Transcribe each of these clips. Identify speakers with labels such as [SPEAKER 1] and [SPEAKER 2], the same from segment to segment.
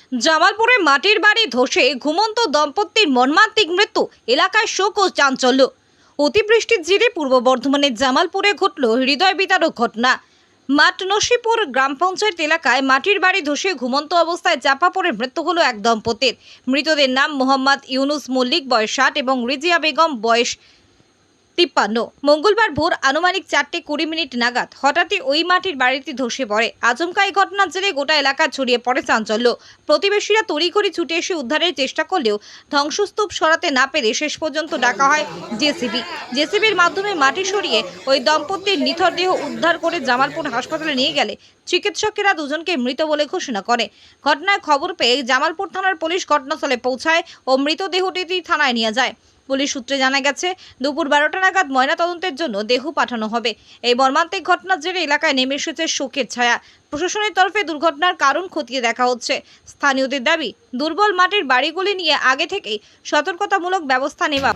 [SPEAKER 1] জামালপুরে মাটির বাড়ি ধসে ঘুমন্ত দম্পতির মর্মান্তিক মৃত্যু, এলাকায় শোক ও চাঞ্চল্য। অতিবৃষ্টির জেরে পূর্ব বর্ধমানের জামালপুরে ঘটল হৃদয় বিদারক ঘটনা। মাটনসিপুর গ্রাম পঞ্চায়েত এলাকায় মাটির বাড়ি ধসে ঘুমন্ত অবস্থায় চাপা পড়ে মৃত্যু হলো এক দম্পতির। মৃতদের নাম মোহাম্মদ ইউনুস মল্লিক, বয়স 60 এবং রিজিয়া বেগম, বয়স 53। মঙ্গলবার ভোর আনুমানিক 4:20 নাগাদ হঠাৎই ওই মাটির বাড়িটি ধসে পড়ে। আচমকা এই ঘটনার জেরে গোটা এলাকায় ছড়িয়ে পড়ে চাঞ্চল্য। প্রতিবেশীরা তড়িঘড়ি ছুটে এসে উদ্ধারের চেষ্টা করলেও ধ্বংসস্তূপ সরাতে না পেরে শেষ পর্যন্ত ডাকা হয় জেসিবির মাধ্যমে মাটি সরিয়ে ওই দম্পতির নিথর দেহ উদ্ধার করে জামালপুর হাসপাতালে নিয়ে গেলে চিকিৎসকেরা দুজনকে মৃত বলে ঘোষণা করে। ঘটনায় খবর পেয়ে জামালপুর থানার পুলিশ ঘটনাস্থলে পৌঁছায় ও মৃতদেহটি থানায় নিয়ে যায়। পুলিশ সূত্রে জানা গেছে, দুপুর 12টা নাগাদ ময়নাতদন্তের জন্য দেহ পাঠানো হবে। এই মর্মান্তিক ঘটনার জেরে এলাকায় নেমে এসেছে শোকের ছায়া। প্রশাসনের তরফে দুর্ঘটনার কারণ খতিয়ে দেখা হচ্ছে। স্থানীয়দের দাবি, দুর্বল মাটির বাড়িগুলি নিয়ে আগে থেকেই সতর্কতামূলক ব্যবস্থা নেওয়া।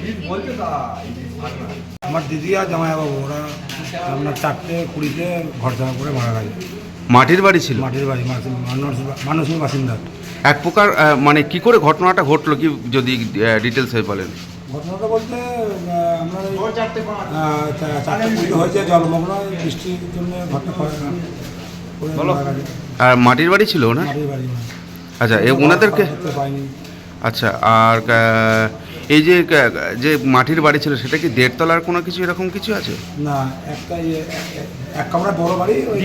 [SPEAKER 2] আমার দিদি আর জামাইবাবু ওরা আপনার 4:20 ঘর জামা করে মারা গেছে।
[SPEAKER 3] মাটির বাড়ি ছিল?
[SPEAKER 2] মাটির বাড়ি, মানুষের বাসিন্দা।
[SPEAKER 3] এক প্রকার মানে কি করে ঘটনাটা ঘটলো, কি যদি ডিটেলস হয়ে বলেন?
[SPEAKER 2] ঘটনাটা বলতে আমরা 4:20 হয়েছে, জলমগ্ন বৃষ্টির জন্য ঘরটা করে মারা গেছে।
[SPEAKER 3] আর মাটির বাড়ি ছিল না?
[SPEAKER 2] মাটির বাড়ি।
[SPEAKER 3] আচ্ছা, ওনাদেরকে
[SPEAKER 2] পাইনি।
[SPEAKER 3] আচ্ছা, আর এই যে মাটির বাড়ি ছিল সেটা কি 1.5 তলার কোনো কিছু এরকম কিছু আছে?
[SPEAKER 2] না, একটা এক কামরা বড় বাড়ি, ওই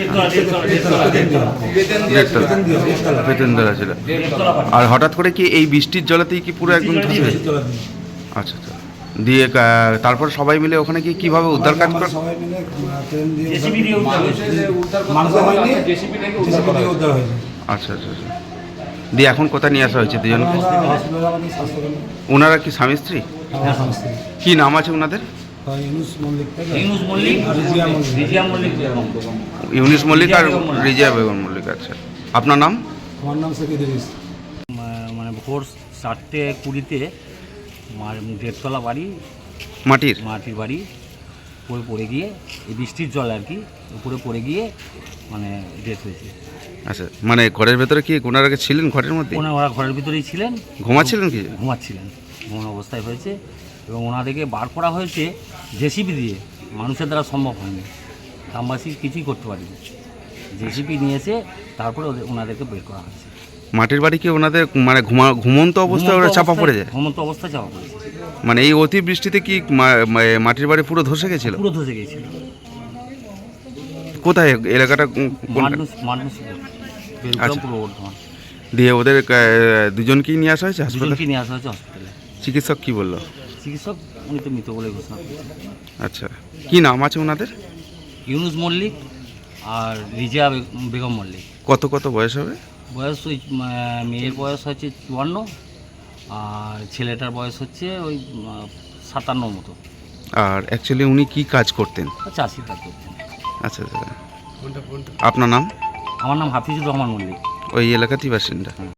[SPEAKER 3] বেতনতলা ছিল। আর হঠাৎ করে কি এই বৃষ্টির জলেতেই কি পুরো একদম ধসে গেছে? আচ্ছা আচ্ছা, দিয়ে তারপর সবাই মিলে ওখানে কি কিভাবে উদ্ধার কাজ করে?
[SPEAKER 2] সবাই মিলে ট্রেন দিয়ে মানুষ হয়নি, জেসিবি দিয়ে উদ্ধার হয়েছে।
[SPEAKER 3] আচ্ছা আচ্ছা আচ্ছা, দিয়ে এখন কোথায় নিয়ে আসা হয়েছে দুজনকে? ওনারা কি স্বামী স্ত্রী? কি নাম আছে ওনাদের?
[SPEAKER 4] ইউনুস মল্লিক, রিজিয়া মল্লিক,
[SPEAKER 3] ইউনুস মল্লিক আর রিজিয়া বেগম মল্লিক। আচ্ছা, আপনার নাম?
[SPEAKER 2] আমার নাম শেখ ইদ্রিস।
[SPEAKER 4] মানে ভোর 4:20 1.5 তলা বাড়ি,
[SPEAKER 3] মাটির
[SPEAKER 4] বাড়ি উপরে পড়ে গিয়ে, এই বৃষ্টির জল আর কি উপরে পড়ে গিয়ে মানে ডেথ হয়েছে।
[SPEAKER 3] আচ্ছা, মানে ঘরের ভেতরে কি ওনারা ছিলেন? ঘরের মধ্যে
[SPEAKER 4] ওরা ঘরের ভিতরেই ছিলেন,
[SPEAKER 3] ঘুমাচ্ছিলেন কি?
[SPEAKER 4] ঘুমাচ্ছিলেন, ঘুমানো অবস্থায় হয়েছে। এবং ওনাদেরকে বার করা হয়েছে জেসিবি দিয়ে, মানুষের দ্বারা সম্ভব হয়নি, গ্রামবাসী কিছুই করতে পারেনি। জেসিবি নিয়েছে, তারপরে ওনাদেরকে বের করা হয়েছে।
[SPEAKER 3] মাটির বাড়ি কি ওনাদের মানে ঘুমন্ত অবস্থায় ওরা চাপা পড়ে যায়?
[SPEAKER 4] ঘুমন্ত অবস্থায় চাপা পড়েছে।
[SPEAKER 3] মানে এই অতি বৃষ্টিতে কি মাটির বাড়ি পুরো ধসে গেছিল?
[SPEAKER 4] পুরো ধসে গিয়েছিল।
[SPEAKER 3] কোথায় এলাকাটা? দিয়ে ওদের দুজনকেই নিয়ে আসা হয়েছে হাসপাতালে?
[SPEAKER 4] নিয়ে আসা হয়েছে হসপিটালে।
[SPEAKER 3] চিকিৎসক কি বললো?
[SPEAKER 4] চিকিৎসক উনি তো মৃত বলে ঘোষণা করেছেন।
[SPEAKER 3] আচ্ছা, কি নাম আছে ওনাদের?
[SPEAKER 4] ইউনুস মল্লিক আর রিজিয়া বেগম মল্লিক।
[SPEAKER 3] কত বয়স হবে?
[SPEAKER 4] বয়স ওই মেয়ের বয়স হচ্ছে 54 আর ছেলেটার বয়স হচ্ছে ওই 57 মতো।
[SPEAKER 3] আর অ্যাকচুয়ালি উনি কি কাজ করতেন?
[SPEAKER 4] চাষির কাজ করতেন।
[SPEAKER 3] আচ্ছা আচ্ছা, আপনার নাম?
[SPEAKER 4] আমার নাম হাফিজুর রহমান মল্লিক।
[SPEAKER 3] ওই এলাকাতেই বাসিন্দা?